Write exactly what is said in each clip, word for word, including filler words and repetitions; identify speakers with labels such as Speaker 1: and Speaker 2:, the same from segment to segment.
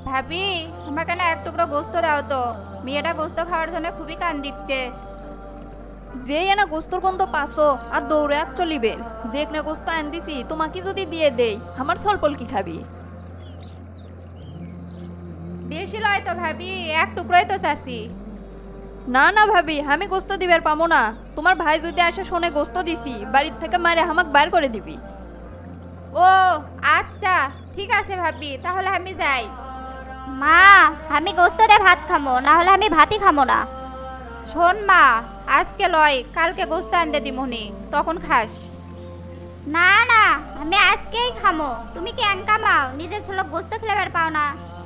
Speaker 1: ভাবি, আমাকে না এক টুকরো গোস্ত দাও তো। মেয়েটা গোস্ত খাওয়ার জন্য খুবই কান দিচ্ছে।
Speaker 2: যেই এনা গোস্তর গন্ধ পাছো আর দৌড়ে আর চলিবে। যে একনা গোস্ত আন দিছি তোমাকে যদি দিয়ে দেই আমার সলপল কি খাবি?
Speaker 1: বেশি লয় তো ভাবি, এক টুকরোই তো চাষি।
Speaker 2: না না ভাবি, আমি গোস্ত দিবার পামো না। তোমার ভাই যদি আসে শোনে গোস্ত দিছি বাড়ির থেকে মারে হামাক বাইর করে দিবি।
Speaker 1: ও আচ্ছা, ঠিক আছে ভাবি, তাহলে আমি যাই।
Speaker 3: মা, আমি গোস্ত দিয়ে ভাত খামো, না হলে আমি ভাতই খামো না।
Speaker 1: শোন মা, আজকে লয়, কালকে গোস্ত আনতে দিমুনি, তখন খাস।
Speaker 3: না না, আমি আজকেই খামো। তুমি কি এঙ্কা মাও নিজের ছেলে গোস্ত খেলেবার পাও না?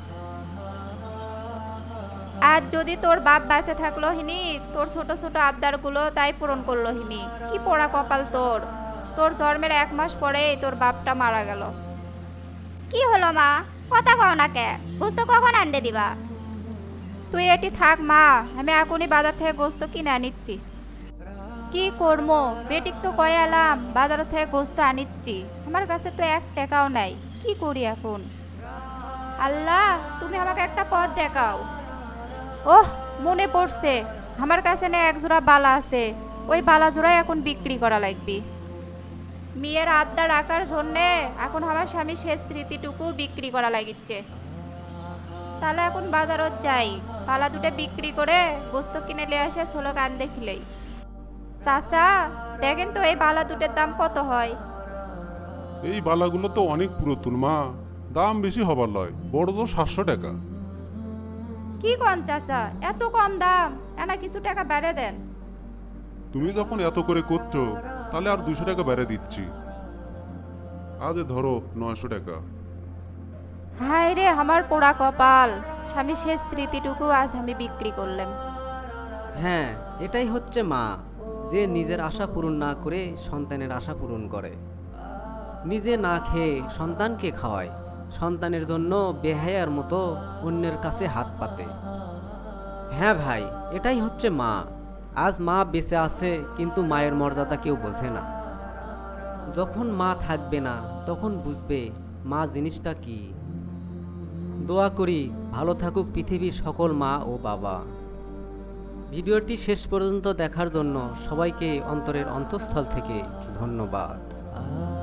Speaker 1: আর যদি তোর বাপ বাঁচে থাকলো হিনি, তোর ছোট ছোট আবদার গুলো তাই পূরণ করলো হিনি। কি পোড়া কপাল তোর। তোর জন্মের এক মাস পরেই তোর বাপটা মারা গেল।
Speaker 3: কি হলো মা, কথা কও না কে? গোস্ত কখন আনতে দিবা?
Speaker 1: তুই এটি থাক মা, আমি এখনই বাজার থেকে গোস্ত কিনে আনিচ্ছি। কি করবো, বেটিক তো কয়ে এলাম বাজার থেকে গোস্ত আনিচ্ছি, আমার কাছে তো এক টাকাও নাই। কি করি এখন? আল্লাহ, তুমি আমাকে একটা পথ দেখাও। ওহ, মনে পড়ছে, আমার কাছে না এক জোড়া বালা আছে। ওই বালা জোড়াই এখন বিক্রি করা লাগবে। মেয়ের আবদার রাখার জন্যে এখন আমার স্বামী শেষ স্মৃতিটুকু বিক্রি করা লাগিচ্ছে। তাহলে এখন বাজারত যাই, পালা দুটো বিক্রি করে গোস্ত কিনে নিয়ে আসে ষোলো কান দেখিলেই। চাচা, দেখেন তো এই বালা দুটোর দাম কত হয়?
Speaker 4: এই বালাগুলো তো অনেক পুরাতন মা, দাম বেশি হবার লয়, বড় তো সাতশো টাকা।
Speaker 1: কি কম চাচা, এত কম দাম? এনা কিছু টাকা বেড়ে দেন।
Speaker 4: তুমি যখন এত করে করছো তাহলে আর দুশো টাকা বেড়ে দিচ্ছি। আজ এ ধরো নয়শো টাকা।
Speaker 1: হায় রে আমার পোড়া কপাল, স্বামী শেষ স্মৃতিটুকু আজ আমি বিক্রি করলাম।
Speaker 5: হ্যাঁ, এটাই হচ্ছে মা, যে নিজের আশা পূরণ না করে সন্তানের আশা পূরণ করে। নিজে না খেয়ে সন্তানকে খাওয়ায়, সন্তানের জন্য বেহায়ার মতো অন্যের কাছে হাত পাতে। হ্যাঁ ভাই, এটাই হচ্ছে মা। আজ মা বেঁচে আছে কিন্তু মায়ের মর্যাদা কেউ বোঝে না। যখন মা থাকবে না তখন বুঝবে মা জিনিসটা কি। দোয়া করি ভালো থাকুক পৃথিবীর সকল মা ও বাবা। ভিডিওটি শেষ পর্যন্ত দেখার জন্য সবাইকে অন্তরের অন্তঃস্থল থেকে ধন্যবাদ।